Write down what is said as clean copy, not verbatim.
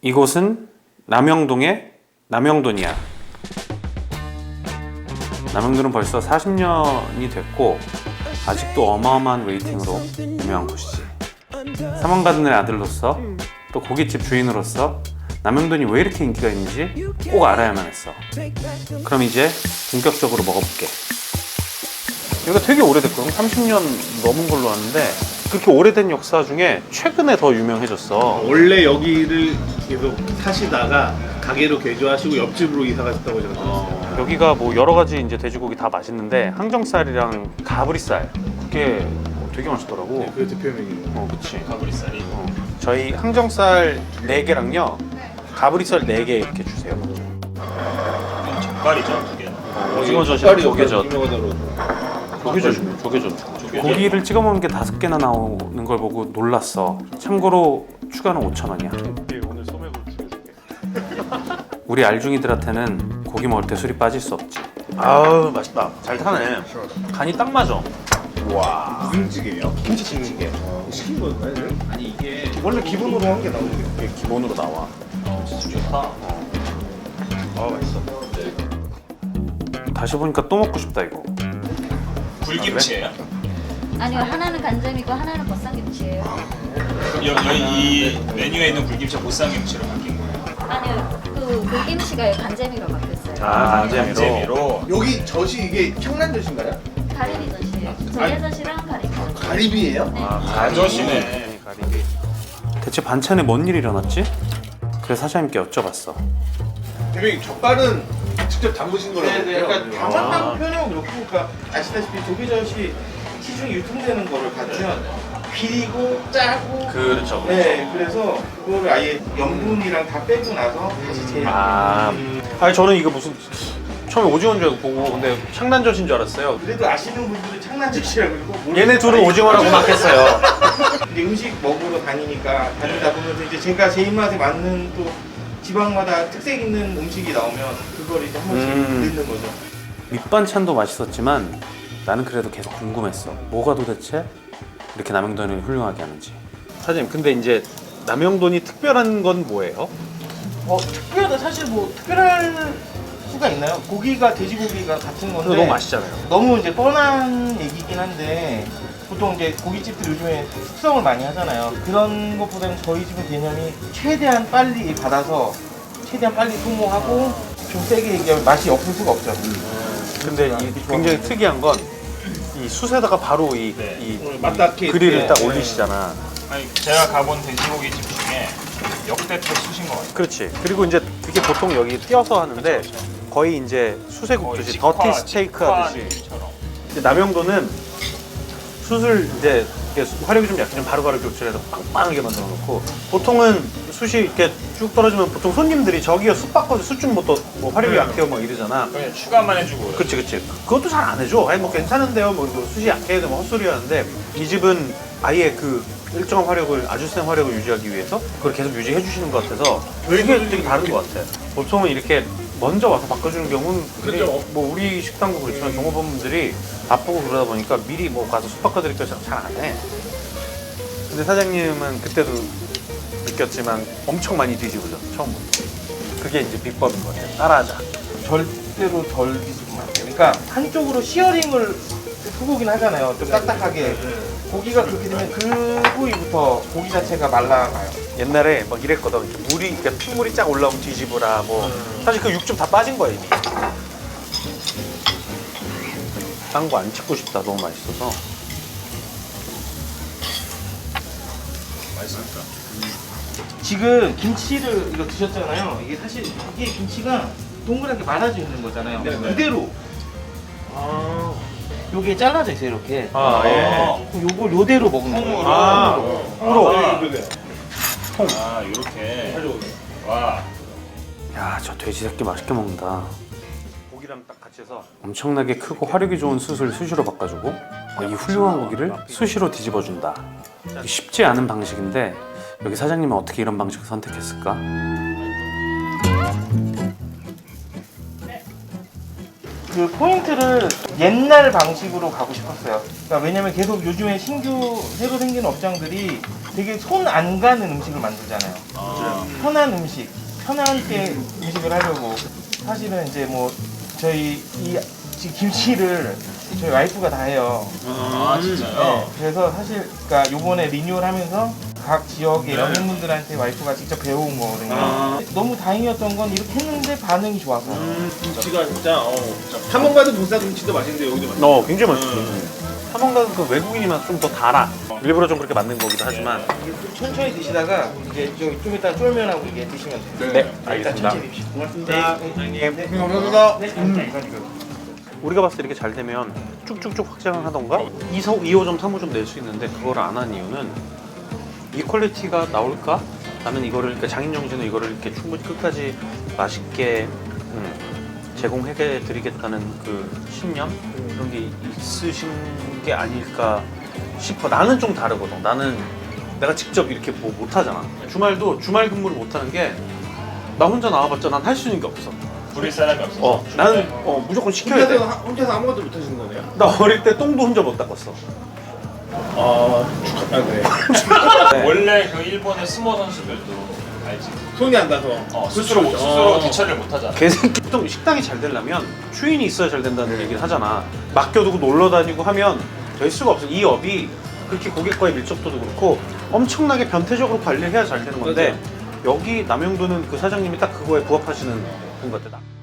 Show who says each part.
Speaker 1: 이곳은 남영동의 남영돈이야. 남영돈은 벌써 40년이 됐고 아직도 어마어마한 웨이팅으로 유명한 곳이지. 사망가든의 아들로서 또 고깃집 주인으로서 남영돈이 왜 이렇게 인기가 있는지 꼭 알아야만 했어. 그럼 이제 본격적으로 먹어볼게. 여기가 되게 오래됐거든. 30년 넘은 걸로 아는데 그렇게 오래된 역사 중에 최근에 더 유명해졌어.
Speaker 2: 원래 여기를 계속 사시다가 가게로 개조하시고 옆집으로 이사 가셨다고 제가 들었어요.
Speaker 1: 여기가 뭐 여러 가지 이제 돼지고기 다 맛있는데 항정살이랑 가브리살 그게 되게 맛있더라고.
Speaker 2: 네, 그게 대표 메뉴예요.
Speaker 1: 그치.
Speaker 3: 가브리살이.
Speaker 1: 저희 항정살 4개랑요 가브리살 4개 이렇게 주세요.
Speaker 3: 젓갈이죠, 두 개.
Speaker 1: 오징어젓이랑 조개젓.
Speaker 2: 조개젓.
Speaker 1: 조개젓. 고기를 찍어 먹는 게 5개나 나오는 걸 보고 놀랐어. 참고로 추가는 5,000원이야.
Speaker 2: 오늘 소맥을 찍어줄게.
Speaker 1: 우리 알중이들한테는 고기 먹을 때 술이 빠질 수 없지. 아우 맛있다. 잘 타네. 간이 딱 맞아.
Speaker 2: 와. 무슨 찌개예요? 김치찌개. 시킨 거예요? 아니 이게 원래 기본으로 한 게 나오는 게.
Speaker 1: 이게 기본으로 나와.
Speaker 3: 진짜 좋다.
Speaker 2: 맛있어.
Speaker 1: 다시 보니까 또 먹고 싶다 이거.
Speaker 3: 불김치예요?
Speaker 4: 아니요, 하나는 간장이고 하나는 보쌈김치예요.
Speaker 3: 이 메뉴에 있는 불김치가 보쌈김치로 바뀐 거예요.
Speaker 4: 아니요, 그 불김치가 간장이로 바뀌었어요.
Speaker 3: 간재미로.
Speaker 2: 여기 젓이 이게 청란젓인가요?
Speaker 4: 가리비젓이에요. 조개젓이랑 가리비젓.
Speaker 2: 가리비예요?
Speaker 4: 네.
Speaker 3: 가젓이네.
Speaker 1: 가리비. 대체 반찬에 뭔 일이 일어났지? 그래서 사장님께 여쭤봤어.
Speaker 2: 대표님 젓갈은 직접 담그신 거라고
Speaker 5: 네,
Speaker 2: 그래요?
Speaker 5: 그러니까 담았다고 표현하면 그렇고, 그러니까 아시다시피 조개젓이 시중에 유통되는 거를 갖면 비리고 짜고.
Speaker 1: 그렇죠.
Speaker 5: 네, 그래서 그거를 아예 염분이랑 다 빼고 나서 다시 재료.
Speaker 1: 아니 저는 이거 무슨 처음에 오징어인 줄 알고 보고 근데 창난젓인 줄 알았어요.
Speaker 5: 그래도 아시는 분들은 창란젓이라고 그러고.
Speaker 1: 얘네 둘은 오징어라고 막 했어요.
Speaker 5: 이제 음식 먹으러 다니다 보면서 이제 제가 제 입맛에 맞는 또 지방마다 특색 있는 음식이 나오면 그걸 이제 한 번씩 넣는 거죠.
Speaker 1: 밑반찬도 맛있었지만 나는 그래도 계속 궁금했어. 뭐가 도대체 이렇게 남영돈을 훌륭하게 하는지. 사장님 근데 이제 남영돈이 특별한 건 뭐예요?
Speaker 5: 특별하다 사실 뭐 특별할 수가 있나요? 고기가 돼지고기가 같은 건데
Speaker 1: 너무 맛있잖아요.
Speaker 5: 너무 이제 뻔한 얘기긴 한데 보통 이제 고깃집들 요즘에 숙성을 많이 하잖아요. 그런 것보다는 저희 집은 개념이 최대한 빨리 받아서 최대한 빨리 소모하고 좀 세게 얘기하면 맛이 없을 수가 없죠.
Speaker 1: 근데 이 굉장히 특이한 건 이 숯에다가 바로 이
Speaker 5: 맞닿게
Speaker 1: 그릴을
Speaker 5: 이렇게,
Speaker 1: 딱
Speaker 5: 네.
Speaker 1: 올리시잖아.
Speaker 3: 아니, 제가 가본 돼지고기 집 중에 역대 최수신 것 같아요.
Speaker 1: 그렇지. 그리고 이제 이게 보통 여기 띄어서 하는데 거의 이제 숯에 굽듯이 더티 스테이크 하듯이.
Speaker 3: 직화처럼.
Speaker 1: 이제 남영돈은 숯을 이제 이렇게 화력이 좀 약해지면 바로바로 교체해서 빵빵하게 만들어 놓고 보통은 숯이 이렇게 쭉 떨어지면 보통 손님들이 저기요 숯 바꿔서 숯 좀 뭐 화력이 약해요 막 이러잖아.
Speaker 3: 그냥 추가만 해주고.
Speaker 1: 그치. 그것도 잘 안 해줘. 아니 뭐 괜찮은데요. 뭐 숯이 약해야 되면 헛소리 하는데 이 집은 아예 그 일정한 화력을 아주 센 화력을 유지하기 위해서 그걸 계속 유지해 주시는 것 같아서 되게 다른 것 같아. 보통은 이렇게 먼저 와서 바꿔주는 경우는
Speaker 2: 그렇죠.
Speaker 1: 뭐 우리 식당도 그렇지만 종업원분들이 바쁘고 그러다 보니까 미리 뭐 가서 숯 바꿔드릴까 잘 안 해. 근데 사장님은 그때도 느꼈지만 엄청 많이 뒤집어져 처음부터. 그게 이제 비법인 것 같아. 따라하자.
Speaker 5: 절대로 덜 뒤집으면 안 돼요. 그러니까 한쪽으로 시어링을 소고기는 하잖아요. 좀 딱딱하게. 고기가 그렇게 되면 그 부위부터 고기 자체가 말라가요.
Speaker 1: 옛날에 막 이랬거든. 이렇게 물이, 그러니까 핏물이 쫙 올라오면 뒤집어라. 뭐 사실 그 육즙 다 빠진 거야 이미. 딴 거 안 찍고 싶다. 너무 맛있어서.
Speaker 3: 맛있습니까?
Speaker 5: 지금 김치를 이거 드셨잖아요. 이게 사실 이게 김치가 동그랗게 말아져 있는 거잖아요. 그대로. 요게 잘라져 있어요 이렇게. 그럼 요걸 요대로 먹는 거예요.
Speaker 3: 이렇게. 와.
Speaker 1: 야, 저 돼지 새끼 맛있게 먹는다. 고기랑 딱 같이 해서 엄청나게 크고 화력이 좋은 숯을 수시로 바꿔주고 이 훌륭한 고기를 수시로 뒤집어준다. 쉽지 않은 방식인데 여기 사장님은 어떻게 이런 방식을 선택했을까?
Speaker 5: 그 포인트를 옛날 방식으로 가고 싶었어요. 그러니까 왜냐면 계속 요즘에 새로 생기는 업장들이 되게 손 안 가는 음식을 만들잖아요. 편한 음식, 편하게 음식을 하려고 사실은 이제 뭐 저희 이 지금 김치를 저희 와이프가 다 해요.
Speaker 3: 아 진짜요?
Speaker 5: 네, 그래서 사실 그러니까 요번에 리뉴얼하면서 각 지역의 연예인분들한테 와이프가 직접 배워온 거거든요. 너무 다행이었던 건 이렇게 했는데 반응이 좋아서.
Speaker 2: 김치가 진짜 탐험 가든 보쌈 김치도 맛있는데 여기도 맛있어.
Speaker 1: 굉장히 맛있지. 사망가는 그 외국인이 맛 좀 더 달아. 일부러 좀 그렇게 만든 거기도 하지만.
Speaker 5: 이게 좀 천천히 드시다가 이제 좀 이따 쫄면하고 이게 드시면 돼요.
Speaker 1: 네,
Speaker 5: 일단 천천히 드십시오.
Speaker 2: 고맙습니다.
Speaker 5: 네.
Speaker 2: 감사합니다.
Speaker 1: 우리가 봤을 때 이렇게 잘 되면 쭉쭉쭉 확장을 하던가 2호점, 3호점 낼 수 있는데 그걸 안 한 이유는 이 퀄리티가 나올까? 나는 이거를 그러니까 장인정신으로 이거를 이렇게 충분히 끝까지 맛있게 제공해 드리겠다는 그 신념 그런 게 있으신 게 아닐까 싶어. 나는 좀 다르거든. 나는 내가 직접 이렇게 뭐 못하잖아. 주말도 주말 근무를 못하는 게 나 혼자 나와봤자 난 할 수 있는 게 없어.
Speaker 3: 부릴 사람이 없어.
Speaker 1: 나는 무조건 시켜야 돼.
Speaker 2: 혼자서 아무것도 못 하시는 거네요?
Speaker 1: 나 어릴 때 똥도 혼자 못 닦았어.
Speaker 2: 그래.
Speaker 3: 원래 그 일본의 스모 선수들도 알지?
Speaker 2: 손이 안 닿아서.
Speaker 3: 스스로 대처를 못 하잖아.
Speaker 1: 개새끼. 보통 식당이 잘 되려면 주인이 있어야 잘 된다는 얘기를 하잖아. 맡겨두고 놀러 다니고 하면 될 수가 없어. 이 업이 그렇게 고객과의 밀접도도 그렇고 엄청나게 변태적으로 관리를 해야 잘 되는 건데 여기 남영도는 그 사장님이 딱 그거에 부합하시는 분 같아.